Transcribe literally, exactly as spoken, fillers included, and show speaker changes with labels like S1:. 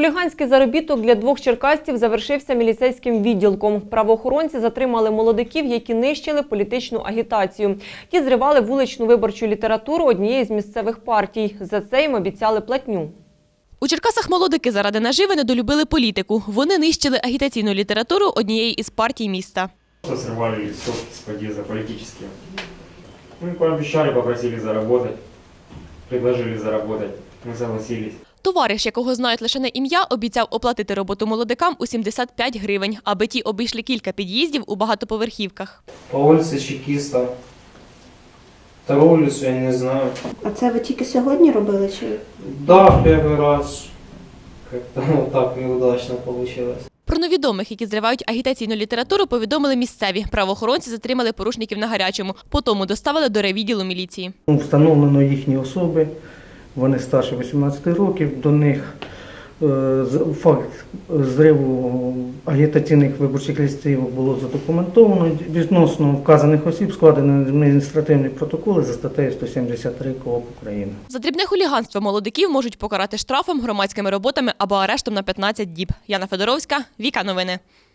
S1: Хуліганський заробіток для двох черкасців завершився міліцейським відділком. Правоохоронці затримали молодиків, які нищили політичну агітацію. Ті зривали вуличну виборчу літературу однієї з місцевих партій. За це їм обіцяли платню.
S2: У Черкасах молодики заради наживи недолюбили політику. Вони нищили агітаційну літературу однієї із партій міста.
S3: Срывали листовки с подъезда политические. Мы пообещали, попросили заработать, предложили заработать, мы согласились.
S2: Товариш, якого знають лише на ім'я, обіцяв оплатити роботу молодикам у сімдесят п'ять гривень, аби ті обійшли кілька під'їздів у багатоповерхівках.
S4: По вулиці Чекіста. Та вулицю я не знаю.
S5: А це ви тільки сьогодні робили чи?
S4: Да, перший раз. Как-то вот так неудачно получилось.
S2: Про невідомих, які зривають агітаційну літературу, повідомили місцеві. Правоохоронці затримали порушників на гарячому. Потім доставили до райвідділу міліції.
S6: Встановлено їхні особи, вони старше вісімнадцяти років, до них е, факт зриву агітаційних виборчих листів було задокументовано. Відносно вказаних осіб складено адміністративні протоколи за статтею сто сімдесят три КОАП України.
S2: За дрібне хуліганство молодиків можуть покарати штрафом, громадськими роботами або арештом на п'ятнадцять діб. Яна Федоровська, Віка Новини.